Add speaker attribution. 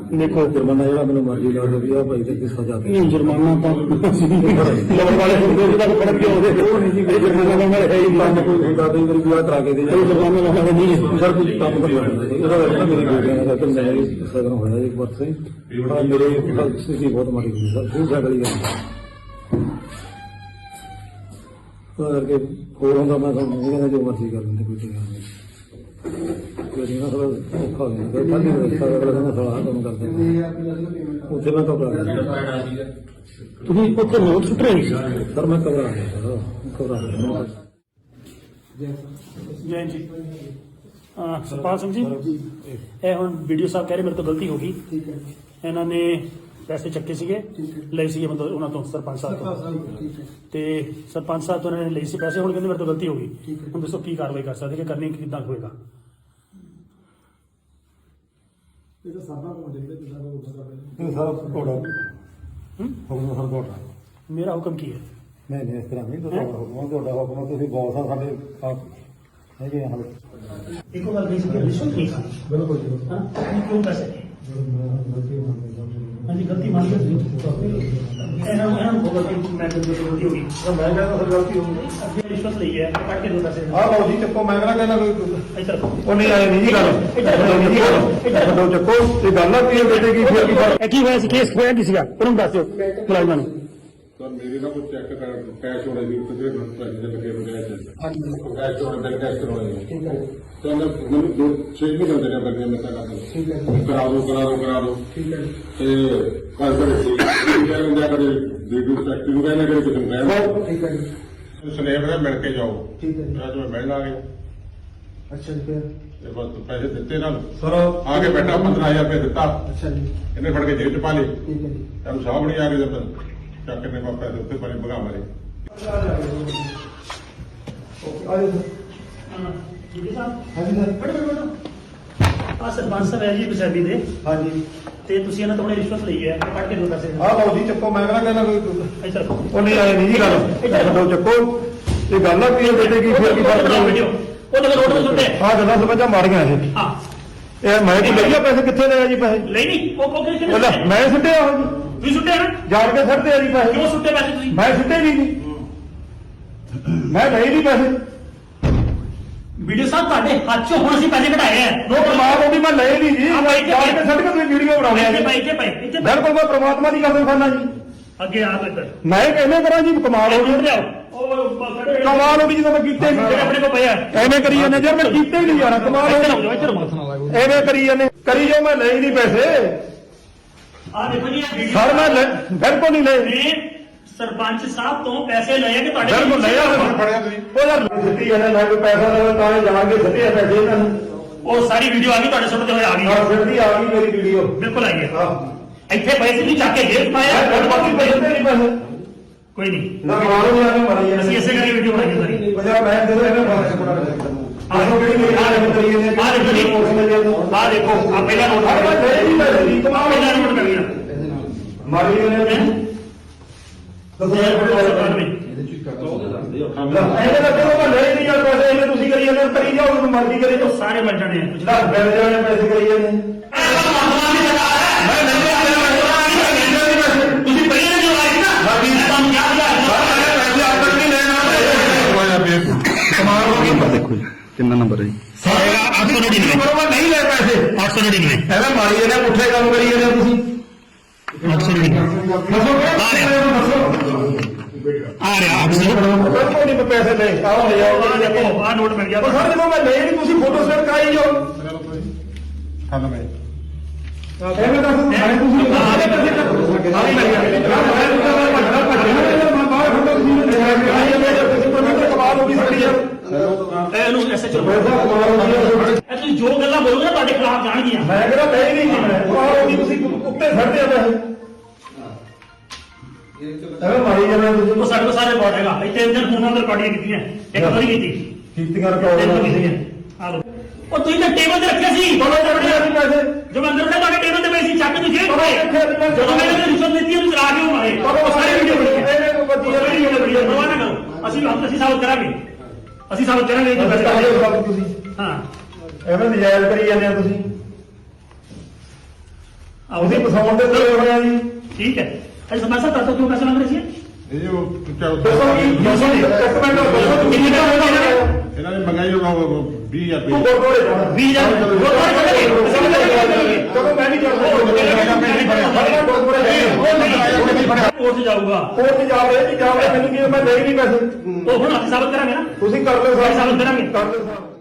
Speaker 1: देखो
Speaker 2: जुर्माना जो मैंने मर्जी ला दो भी भाई तक सजा दे
Speaker 1: जुर्माना तो लोग वाले फर्क क्यों होते जुर्माना वाला है ही
Speaker 2: काम कोई होता तो मेरी विवाह करा के दे
Speaker 1: जुर्माना वाला नहीं है
Speaker 2: सर कुछ काम कर लेना मेरी बेटियां का तो मैं सदन होया एक बार से मेरे स्थिति बहुत माड़ी हुई सर खूब झगड़ी गई करके फोन होगा मैं समझ जो मर्जी कर लेंगे कोई टिका नहीं थोड़ा औखा हो गया ठंडी व्यवस्था अगला दिन थोड़ा काम करते ਉੱਥੇ ਮੈਂ ਘਬਰਾ ਗਿਆ
Speaker 1: ਤੁਸੀਂ ਉੱਥੇ ਨੋਟ ਸੁੱਟ ਰਹੇ ਸੀ
Speaker 2: ਸਰ ਮੈਂ ਘਬਰਾ ਗਿਆ ਸਰ ਘਬਰਾ ਗਿਆ
Speaker 1: ਜੈ ਜੀ ਸਰਪਾਲ ਸਿੰਘ ਜੀ ਇਹ ਹੁਣ ਵੀਡੀਓ ਸਾਹਿਬ ਕਹਿ ਰਹੇ ਮੇਰੇ ਤੋਂ ਗਲਤੀ ਹੋ ਗਈ
Speaker 3: ਠੀਕ ਹੈ
Speaker 1: ਇਹਨਾਂ ਨੇ ਪੈਸੇ ਚੱਕੇ ਸੀਗੇ ਲਏ ਸੀਗੇ ਮਤਲਬ ਉਹਨਾਂ ਤੋਂ ਸਰਪੰਚ ਸਾਹਿਬ ਤੋਂ
Speaker 3: ਠੀਕ ਹੈ
Speaker 1: ਤੇ ਸਰਪੰਚ ਸਾਹਿਬ ਤੋਂ ਇਹਨਾਂ ਨੇ ਲਈ ਸੀ ਪੈਸੇ ਹੁਣ ਕਹਿੰਦੇ ਮੇਰੇ ਤੋਂ ਗਲਤੀ ਹੋ ਗਈ
Speaker 3: ਠੀਕ ਹੈ।
Speaker 1: ਹੁਣ ਦੱਸੋ ਕੀ ਕਾਰਵਾਈ ਕਰ ਸਕਦੇ ਕਿ ਕਰਨੀ ਕਿੱਦਾਂ ਹੋਏਗਾ
Speaker 3: ਇਹ ਤਾਂ ਸਾਡਾ ਕੋਲ ਦੇਖਦੇ ਕਿਦਾਂ ਦਾ ਹੁੰਦਾ
Speaker 2: ਇਹ ਸਾਰਾ ਤੁਹਾਡਾ ਹੁਕਮ ਸਰ ਤੁਹਾਡਾ
Speaker 1: ਮੇਰਾ ਹੁਕਮ ਕੀ ਹੈ
Speaker 2: ਨਹੀਂ ਇਸ ਤਰ੍ਹਾਂ ਨਹੀਂ ਤੁਹਾਡਾ ਹੁਕਮ ਤੁਸੀਂ ਬੌਸ ਆ ਸਾਡੇ ਹੈਗੇ ਹਾਂ
Speaker 1: ਇੱਕੋ ਗੱਲ ਨਹੀਂ ਸੀ ਰਿਸ਼ਵਤ ਨਹੀਂ ਖਾਣੀ
Speaker 3: ਬਿਲਕੁਲ ਜੀ
Speaker 1: ਹਾਂ ਕਿਉਂ ਪੈਸੇ ਹਾਂਜੀ ਗਲਤੀ ਮੰਨ ਲਈ ਇਹਨਾਂ ਨੂੰ ਗਲਤੀ ਮੈਂ ਗਲਤੀ ਹੋ ਗਈ
Speaker 2: ਮੈਂ ਕਹਿੰਦਾ ਸਰ ਗਲਤੀ ਹੋ ਗਈ
Speaker 1: ਅੱਗੇ ਰਿਸ਼ਵਤ ਲਈ ਹੈ ਕੱਟ ਕੇ ਦੋ ਪੈਸੇ
Speaker 2: ਆਹ ਲਓ ਜੀ ਚੱਕੋ ਮੈਂ ਕਹਿੰਦਾ ਕੋਈ
Speaker 1: ਇੱਧਰ ਰੱਖੋ
Speaker 2: ਉਹ ਨਹੀਂ ਆਏ ਨਹੀਂ ਜੀ ਗੱਲ ਛੱਡੋ ਚੱਕੋ ਇਹ ਗੱਲ ਆ ਕੀ ਬੇਟੇ ਕੀ ਫਿਰ ਕੀ ਫਰਕ
Speaker 1: ਇਹ ਕੀ ਹੋਇਆ ਸੀ ਕੇਸ ਹੋਇਆ ਕੀ ਸੀਗਾ ਉਹਨੂੰ ਦੱਸ ਦਿਓ ਮੁਲਾਜ਼ਮਾਂ ਨੂੰ
Speaker 4: ਸਰ ਮੇਰੇ ਨਾਲ ਕੋਈ ਚੈੱਕ ਕਰ ਕੈਸ਼ ਹੋਣਾ ਜੀ ਤੇ ਪੈਸੇ ਦੇ ਲੱਗੇ ਹੋਏ ਕੈਸ਼ ਕੈਸ਼ ਹੋਣਾ ਬਿਲ ਕੈਸ਼ ਕਰਵਾਉਣੇ
Speaker 3: ਠੀਕ ਹੈ
Speaker 4: ਤਾਂ ਮੈਨੂੰ 6 ਮਹੀਨੇ ਹੁੰਦੇ ਨੇ ਬੰਦੇ ਮੈਂ ਤਾਂ
Speaker 3: ਠੀਕ ਹੈ
Speaker 4: ਕਰਾ ਦੋ
Speaker 3: ਠੀਕ ਹੈ
Speaker 4: ਤੇ ਕੱਲ ਕਰੇ ਸੀ ਕਹਿੰਦਾ ਕਰੇ ਵੀਡੀਓ ਫੈਕਟਰੀ ਨੂੰ ਕਹਿੰਦਾ ਕਰੇ ਕੁਝ ਨਹੀਂ
Speaker 3: ਠੀਕ ਹੈ ਜੀ
Speaker 4: ਸਨੇਹ ਦਾ ਮਿਲ ਕੇ ਜਾਓ
Speaker 3: ਠੀਕ ਹੈ ਜੀ
Speaker 4: ਅੱਜ ਮੈਂ ਮਿਲਣ ਆ ਗਿਆ
Speaker 3: ਅੱਛਾ ਜੀ ਫਿਰ
Speaker 4: ਤੇ ਬਸ ਪੈਸੇ ਦਿੱਤੇ ਨਾਲ
Speaker 2: ਸਰ
Speaker 4: ਆ ਕੇ ਬੈਠਾ 15000 ਰੁਪਏ ਦਿੱਤਾ
Speaker 3: ਅੱਛਾ ਜੀ
Speaker 4: ਇਹਨੇ ਫੜ ਕੇ ਜੇਬ ਚ ਪਾ ਲਏ
Speaker 3: ਠੀਕ ਹੈ ਜੀ
Speaker 4: ਤਾਂ ਸਾਹਬ ਨਹੀਂ ਆ ਗਏ ਜਦ ਚੱਕ ਨੇ ਵਾਪਸ ਦੇ ਉੱਤੇ ਪਾਣੀ ਭਗਾ ਮਾਰੇ
Speaker 3: ਓਕੇ ਆ ਜਾਓ
Speaker 1: ਜੀ ਸਾਹਿਬ
Speaker 3: ਹਾਂਜੀ ਸਰ
Speaker 1: ਬੜੋ ਆ ਸਰਪੰਚ ਸਾਹਿਬ ਹੈ ਜੀ ਪੰਜਾਬੀ ਦੇ
Speaker 3: ਹਾਂਜੀ
Speaker 1: ਤੇ ਤੁਸੀਂ ਇਹਨਾਂ ਤੋਂ ਰਿਸ਼ਵਤ ਲਈ ਹੈ ਕੱਟ ਕੇ ਦੋ ਪੈਸੇ
Speaker 2: ਆਹ ਲਓ ਜੀ ਚੱਕੋ ਮੈਂ ਕਹਿੰਦਾ ਕੋਈ
Speaker 1: ਇੱਧਰ ਰੱਖੋ
Speaker 2: ਉਹ ਨਹੀਂ ਆਏ ਨਹੀਂ ਜੀ ਗੱਲ ਛੱਡੋ ਚੱਕੋ ਇਹ ਗੱਲ ਆ ਕੀ ਬੇਟੇ ਕੀ ਫਿਰ ਕੀ ਫਰਕ
Speaker 1: ਵੀਡੀਓ ਉਹ ਤਾਂ ਰੋਡ ਤੇ ਸੁੱਟੇ
Speaker 2: ਆਹ ਗੱਲਾਂ ਸਮਝਾ ਮਾਰੀਆਂ ਇਹ
Speaker 1: ਹਾਂ
Speaker 2: ਇਹ ਮੈਂ ਕੀ ਲਈਆ ਪੈਸੇ ਕਿੱਥੇ ਲਏ ਜੀ ਪੈਸੇ
Speaker 1: ਲਈ ਨਹੀਂ ਉਹ ਕਿਹਨੇ
Speaker 2: ਲੈ ਮੈਂ ਸੁੱਟਿਆ ਉਹ ਜੀ
Speaker 1: ਤੁਸੀਂ ਸੁੱਟੇ ਨਾ
Speaker 2: ਜਾਣ ਕੇ ਸੱਟਦੇ ਆ ਜੀ ਪੈਸੇ
Speaker 1: ਕਿਉਂ ਸੁੱਟੇ ਪੈਸੇ ਤੁਸੀਂ
Speaker 2: ਮੈਂ ਸੁੱਟੇ ਨਹੀਂ ਜੀ ਮੈਂ ਲਏ ਨਹੀਂ ਪੈਸੇ
Speaker 1: ਵੀਡੀਓ ਸਾਹਿਬ ਤੁਹਾਡੇ ਹੱਥ 'ਚੋਂ ਹੁਣ ਅਸੀਂ ਪੈਸੇ ਕਢਾਏ ਆ
Speaker 2: ਉਹ ਪ੍ਰਮਾਤਮਾ ਦੀ ਮੈਂ ਲਏ ਨਹੀਂ ਜੀ
Speaker 1: ਆਹ ਬਾਈ
Speaker 2: ਜਾਣ ਕੇ ਸੱਟ ਕੇ ਤੁਸੀਂ ਵੀਡੀਓ ਬਣਾਉਂਦੇ ਆ
Speaker 1: ਇੱਥੇ
Speaker 2: ਜੀ
Speaker 1: ਪਏ ਇੱਥੇ ਪਏ
Speaker 2: ਬਿਲਕੁਲ ਮੈਂ ਪ੍ਰਮਾਤਮਾ ਦੀ ਕਸਮ ਖਾਨਾ ਜੀ
Speaker 1: ਅੱਗੇ ਆ ਇੱਧਰ
Speaker 2: ਮੈਂ ਕਿਵੇਂ ਕਰਾਂ ਜੀ ਕਮਾਲ ਹੋ ਗਈ
Speaker 1: ਲਿਆਓ ਉਹ ਖੜੇ
Speaker 2: ਕਮਾਲ ਹੋ ਗਈ ਜਦੋਂ ਮੈਂ ਕੀਤੇ
Speaker 1: ਜਿਹੜੇ ਆਪਣੇ ਕੋਲ ਪਏ ਆ
Speaker 2: ਐਵੇਂ ਕਰੀ ਜਾਂਦੇ ਯਾਰ ਮੈਂ ਕੀਤੇ ਹੀ ਨਹੀਂ ਜਾਣਾ ਕਮਾਲ ਹੋ ਗਈ
Speaker 1: ਇੱਧਰ
Speaker 2: ਐਵੇਂ ਕਰੀ ਜਾਂਦੇ ਕਰੀ ਜਾਓ ਮੈਂ ਲਏ ਨਹੀਂ ਪੈਸੇ
Speaker 1: ਆ ਦੇਖੋ ਜੀ ਇਹ ਵੀਡੀਓ
Speaker 2: ਸਰ ਮੈਂ ਬਿਲਕੁਲ ਨਹੀਂ ਲਏ
Speaker 1: ਨੇ ਸਰਪੰਚ ਸਾਹਿਬ ਤੋਂ ਪੈਸੇ ਲਏ ਕਿ ਤੁਹਾਡੇ
Speaker 2: ਬਿਲਕੁਲ ਨਹੀਂ ਆ
Speaker 4: ਫੜਿਆ ਤੁਸੀਂ
Speaker 2: ਉਹ ਯਾਰ ਦਿੱਤੀ ਜਾਂਦੇ ਮੈਂ ਕੋਈ ਪੈਸਾ ਦੇਵਾਂ ਤਾਂ ਇਹ ਜਾਣ ਕੇ ਸਿੱਧੇ ਪੈਸੇ ਇਹਨਾਂ ਨੂੰ
Speaker 1: ਉਹ ਸਾਰੀ ਵੀਡੀਓ ਆ ਗਈ ਤੁਹਾਡੇ ਸੁਣਦੇ ਹੋਏ ਆ ਗਈ
Speaker 2: ਆਹ ਸਿੱਧੀ ਆ ਗਈ ਮੇਰੀ ਵੀਡੀਓ
Speaker 1: ਬਿਲਕੁਲ ਆਈ ਹੈ
Speaker 2: ਆਹ
Speaker 1: ਇੱਥੇ ਪੈਸੇ ਨਹੀਂ ਚੱਕ ਕੇ ਜੇਬ ਪਾਇਆ
Speaker 2: ਬਾਕੀ ਪੈਸੇ ਤੇ ਨਹੀਂ ਪੈਸੇ
Speaker 1: ਕੋਈ ਨਹੀਂ
Speaker 2: ਨਾ ਮਾਰੋ ਨਹੀਂ ਆਵੇਂ ਮਾਰੀ ਜਾਂਦੇ
Speaker 1: ਅਸੀਂ ਇਸੇ ਕਰਕੇ ਵੀਡੀਓ ਬਣਾਈ ਸਾਰੀ
Speaker 2: ਪੰਜਾਬ ਮੈਂ ਦੇ ਦੋ ਇਹਨਾਂ ਬਾਰੇ ਕੋਣਾ ਆਹੋ ਕਿਹੜੀ ਮੇਰੀ ਨਾਲ ਕਰੀ ਜਾਂਦੇ
Speaker 1: ਆ ਦੇਖੋ ਜੀ ਆ ਦੇਖੋ ਆ ਪਹਿਲਾ ਨੋਟ
Speaker 2: ਮੈਂ ਲੈ ਨਹੀਂ ਪੈਸੇ ਦੀ ਕਮਾਲ
Speaker 1: ਪਹਿਲਾ ਨੋਟ ਕਰ ਲਿਆ
Speaker 2: ਮਾਰੀ ਜਾਂਦੇ ਦੱਸੋ ਯਾਰ ਕੋਈ ਪੈਸੇ ਇਹਦੇ ਲੱਗੇ ਮੈਂ ਲੈ ਨਹੀਂ ਯਾਰ ਪੈਸੇ ਇਹਨੇ ਤੁਸੀਂ ਕਰੀ ਜਾਂਦੇ ਕਰੀ ਜਾਓ ਉਹਨੂੰ ਮਰਜ਼ੀ ਕਰੇ ਜੋ
Speaker 1: ਸਾਰੇ ਮਿਲ ਜਾਣੇ ਆ
Speaker 2: ਜਿਹੜਾ ਬਿਲ ਜਾਣੇ ਪੈਸੇ ਕਰੀ ਜਾਂਦੇ
Speaker 1: ਤੁਸੀਂ ਪਹਿਲਾਂ ਜੋ ਆਏ ਨਾ ਤੁਹਾਨੂੰ ਯਾਦ ਆ
Speaker 2: ਕਮਾਲ ਹੋ ਗਈ
Speaker 5: ਦੇਖੋ ਜੀ ਕਿੰਨਾ ਨੰਬਰ ਹੈ ਜੀ
Speaker 1: 899
Speaker 2: ਬਰੋਬਰ ਨਹੀਂ ਲੈ ਪੈਸੇ
Speaker 1: 899
Speaker 2: ਐਵੇਂ ਮਾਰੀ ਜਾਂਦੇ ਪੁੱਠੇ ਕੰਮ ਕਰੀ ਜਾਂਦੇ ਤੁਸੀਂ
Speaker 1: 899
Speaker 2: ਦੱਸੋ
Speaker 1: ਆ ਰਿਹਾ 899
Speaker 2: ਬਿਲਕੁਲ ਨਹੀਂ ਪੈਸੇ ਲੈ ਆਓ ਲੈ ਜਾਓ
Speaker 1: ਆ ਦੇਖੋ ਆ ਨੋਟ ਮਿਲ ਗਿਆ
Speaker 2: ਉਹ ਸਰ ਜਦੋਂ ਮੈਂ ਲੈ ਨਹੀਂ ਤੁਸੀਂ ਫੋਟੋ ਸਟੇਟ ਕਰਾਈ ਜਾਓ
Speaker 4: ਖਾਣਾ ਮੈਂ
Speaker 2: ਐਵੇਂ ਦੱਸ ਮੈਂ ਤੁਸੀਂ ਆਲੇ ਪੈਸੇ ਆ ਮਿਲ ਗਿਆ ਮੈਂ ਬਾਹਰ ਖੜਾ ਤੁਸੀਂ ਕਮਾਲ ਹੋ ਗਈ ਸਾਡੀ ਯਾਰ
Speaker 1: ਇਹਨੂੰ ਐਸੇ ਚਲੋ
Speaker 2: ਪੈਸਾ ਕਮਾਲ ਹੋ ਗਈ
Speaker 1: ਇਹ ਤੁਸੀਂ ਜੋ ਗੱਲਾਂ ਬੋਲੋਗੇ ਨਾ ਤੁਹਾਡੇ ਖਿਲਾਫ ਜਾਣਗੀਆਂ
Speaker 2: ਮੈਂ ਕਹਿੰਦਾ ਲੈ ਨਹੀਂ ਜੀ ਮੈਂ ਕਮਾਲ ਹੋ ਗਈ ਤੁਸੀਂ ਉੱਤੇ ਛੱਡਦੇ ਆ ਪੈਸੇ ਐਵੇਂ ਮਾਰੀ ਜਾਂਦੇ ਤੁਸੀਂ
Speaker 1: ਉਹ ਸਾਡੇ ਕੋਲ ਸਾਰੇ ਰਿਕਾਰਡ ਹੈਗਾ ਇੱਥੇ ਇਹਨਾਂ ਫੋਨਾਂ ਤੇ ਰਿਕਾਰਡਿੰਗ ਕੀਤੀਆਂ ਇੱਕ ਵਾਰੀ ਕੀਤੀ
Speaker 2: ਕੀਤੀਆਂ
Speaker 1: ਤਿੰਨ
Speaker 2: ਰਿਕਾਰਡ
Speaker 1: ਕੀਤੀਆਂ ਆ ਲੋ ਉਹ ਤੁਸੀਂ ਤਾਂ ਟੇਬਲ ਤੇ ਰੱਖਿਆ ਸੀ
Speaker 2: ਬੋਲੋ ਜਬੜੀ ਅਸੀਂ ਪੈਸੇ
Speaker 1: ਜੋ ਮੈਂ ਅੰਦਰ ਤੁਹਾਡੇ ਟੇਬਲ ਤੇ ਪਏ ਸੀ ਚੱਕ ਕੇ ਜੇਬ
Speaker 2: ਬੋਲੋ ਇੱਥੇ
Speaker 1: ਜਦੋਂ ਮੈਂ ਇਹਨੂੰ ਰਿਸ਼ਵਤ ਦਿੱਤੀ ਉਹਨੂੰ ਚਲਾ ਕੇ ਉਹ ਮਾਰੇ ਉਹ ਸਾਰੇ ਵੀਡੀਓ ਬਣੀ ਹੈ
Speaker 2: ਇਹਨੇ ਕੋਈ ਬੱਤੀ
Speaker 1: ਵੀਡੀਓ ਬਣੀ ਹੈ ਪਰਵਾਹ ਨਾ ਕਰੋ ਅਸੀਂ ਸਾਬਤ ਕਰਾਂਗੇ ਅਸੀਂ ਸਾਬਤ ਕਰਾਂਗੇ ਇਹ
Speaker 2: ਤੁਸੀਂ
Speaker 1: ਹਾਂ
Speaker 2: ਐਵੇਂ ਨਜਾਇਜ਼ ਕਰੀ ਜਾਂਦੇ ਆ ਤੁਸੀਂ ਤੁਸੀਂ ਫਸਾਉਣ ਦੇ ਤੇ ਹੋਇਆ ਜੀ
Speaker 1: ਠੀਕ ਹੈ ਅੱਜ ਸਰਪੰਚ ਸਾਹਿਬ ਦੱਸੋ ਕਿਉਂ ਪੈਸੇ ਮੰਗ ਰਹੇ ਸੀ
Speaker 4: ਇਹ ਜੋ
Speaker 2: ਦੱਸੋ ਕੀ ਦੱਸੋ ਜੀ ਇੱਕ ਮਿੰਟ ਦੱਸੋ
Speaker 1: ਕਿੰਨੇ ਦਾ ਹੋਗਾ ਇਹਨਾਂ ਨੇ
Speaker 4: ਇਹਨਾਂ ਨੇ ਮੰਗਾਈ ਉਹ 20000
Speaker 2: ਤੂੰ
Speaker 4: ਰੁਪਏ
Speaker 2: ਗੁਰਦੁਆਰੇ ਜਾਣਾ
Speaker 1: 20000 ਗੁਰਦੁਆਰੇ ਚੱਲਾਂਗੇ
Speaker 2: ਜਦੋਂ ਮੈਂ ਵੀ ਜਾਣਾ
Speaker 1: ਕੋਰਟ ਜਾਊਗਾ
Speaker 2: ਕੋਰਟ ਜਾ ਰਹੇ ਜੀ ਜਾ ਰਹੇ ਮੈਨੂੰ ਕੀ ਮੈਂ ਦੇ ਨਹੀਂ ਪੈਸੇ
Speaker 1: ਉਹ ਹੁਣ ਅਸੀਂ ਸਾਬਤ ਕਰਾਂਗੇ ਨਾ
Speaker 2: ਤੁਸੀਂ ਕਰ ਲਓ
Speaker 1: ਸਾਬਤ ਕਰਾਂਗੇ
Speaker 2: ਕਰ ਲਓ ਸਾਹਿਬ